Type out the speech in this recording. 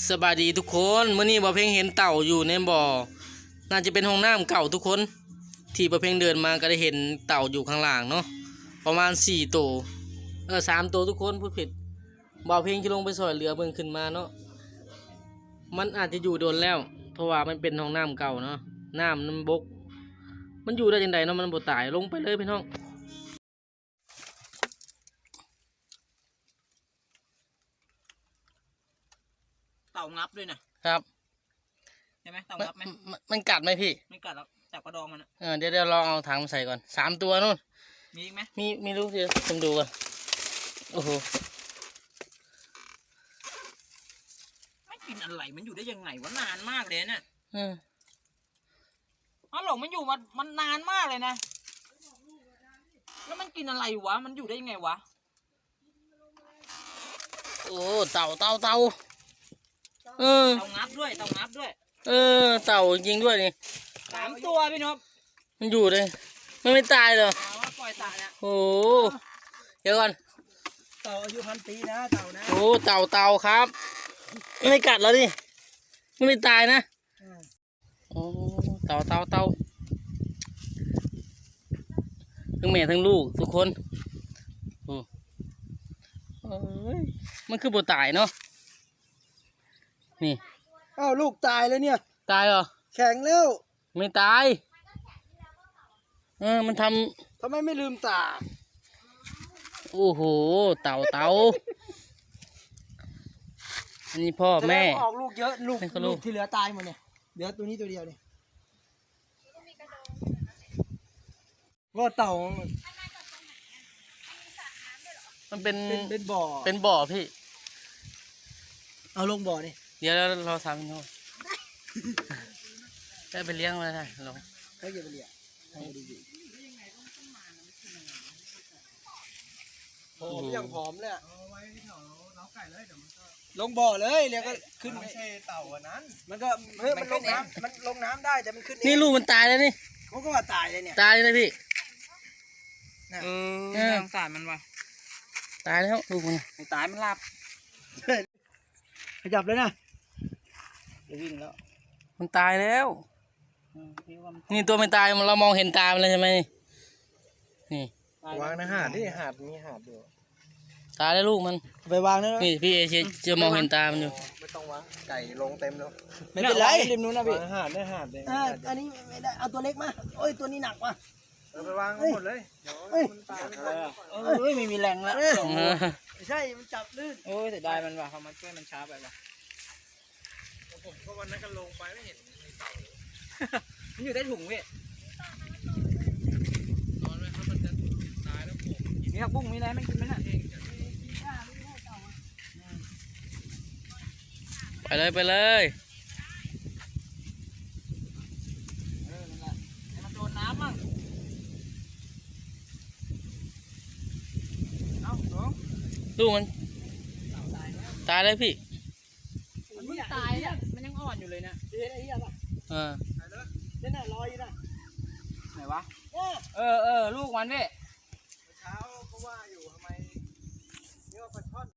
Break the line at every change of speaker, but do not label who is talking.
สบายดีทุกคนเมื่อนี้บ่เพ่งเห็นเต่าอยู่ในบ่อน่าจะเป็นห้องน้ำเก่าทุกคนที่บ่เพ่งเดินมาก็ได้เห็นเต่าอยู่ข้างล่างเนาะประมาณ4 ตัว3 ตัวทุกคนพูดผิดบ่เพ่งที่ลงไปสอยเรือเบิ่งขึ้นมาเนาะมันอาจจะอยู่โดนแล้วเพราะว่ามันเป็นห้องน้ำเก่าเนาะน้ำมันบกมันอยู่ได้จังไดเนาะมันบ่ตายลงไปเลยพี่น้อง
เต่างับด้วยนะครับ ใช่ไหมเต่างับไหม
มันกัดไหมพี่
ไม่กัดแล้วจับกระดองมันนะ
เดี๋ยวลองเอาถังมาใส่ก่อน3 ตัวนู่น
มีอีกไหม
มีรู้เดี๋ยวผมดูก่อนโอ้โห
ไม่กินอะไรมันอยู่ได้ยังไงวะนานมากเลยเนี่ย
อ๋อ
หลงมันอยู่มันนานมากเลยนะแล้วมันกินอะไรวะมันอยู่ได้ยังไงวะ
โอ้เต่าเต่า
งับด้วยเต่างับด้วย
เต่าจริงด้วยนี่
3 ตัวพี่นพ
มันอยู่เลยมันไม่ตายเหรอ
ปล่อยตายนะ
โอ้เดี๋ยวก่อน
เต่าอายุ1,000 ปีนะเต่านะ
โอ้เต่าครับไม่กัดแล้วดิไม่ตายนะโอ้เต่าทั้งแม่ทั้งลูกทุกคนโอ้มันคือบ่ตายเนาะนี่
อ้าวลูกตายแล้วเนี่ย
ตายเหรอ
แข็งแล้ว
ไม่ตายมันท
ำไมไม่ลืมตา
โอ้โหเต่าอันนี้พ่อแม่
ออกลูกเยอะลูกที่เหลือตายหมดเนี่ยเหลือตัวนี้ตัวเดียวเนี่ยว่าเต่า
มันเป็น
บ่อ
พี่
เอาลงบ่อนี่
เดี๋ยวเราทำโน่นได้ไปเลี้ยงมาได้ลง
เขาจะไปเลี้ยงหอมอย่างหอมเลยลงบ่อเลยเดี๋ยวก็ขึ้น
ไม่ใช่เต่าอันนั้น
มันก็มันลงน้ำมันลงน้ำได้แต่มันขึ้น
นี่ลูกมันตายแล้วนี่
เขาก็ว่าตายเลยเนี่ย
ตายเลยพี่
สงสารมันว่ะ
ตายแล้วลูกมัน
ไม่ตายมันหลับขยับเลยนะจะวิ่งแล้ว
มันตายแล้วนี่ตัวไม่ตายเรามองเห็นตามันเลยใช่ไหมนี่
วางนะหาดนี่หาดมีหาดอยู่
ตายแล้วลูกมัน
ไปวางนะ
นี่พี่เอจะมองเห็นตามันอยู่
ไม่ต้องวางไก่ลงเต็มแล้ว
ไม่เป็นไรริมนู้นนะพี่
หาดได้หาดเลย
อันนี้ไม่ได้เอาตัวเล็กมาโอ้ยตัวนี้หนักว่ะ
ไปวางหมดเลยเดี๋ยวมันตาย
ไม่มีแรงแล้ว
ไม่ใช่มันจับลื่น
โอ้ยแต่ได้มันว่ะเขามาช่วยมันช้าไปว่ะ
ผมก็วันนั้นก็ลงไปไม่เห็นเต่า
มันอยู่ใต้ถุงพี่
นอนไว้ครับมันจะตายแล้วผม
มีผักบุ้งมีอะไรไม่กินไหมน่ะ
ไปเลย
มันโดนน้ำมั่ง
ลูกมันตายแล้วพี่
มันไม่ตายเนี่ยมันยังอ่อนอยู่เลยเนี่ยเฮ้ยไอ้เหี้ยป่ะเนี่ยน่ะลอยอยู่น่ะไหนวะลูกมันพี่
เช้าก็ว่าอยู่ทำไมนี่ว่าปลาช่อน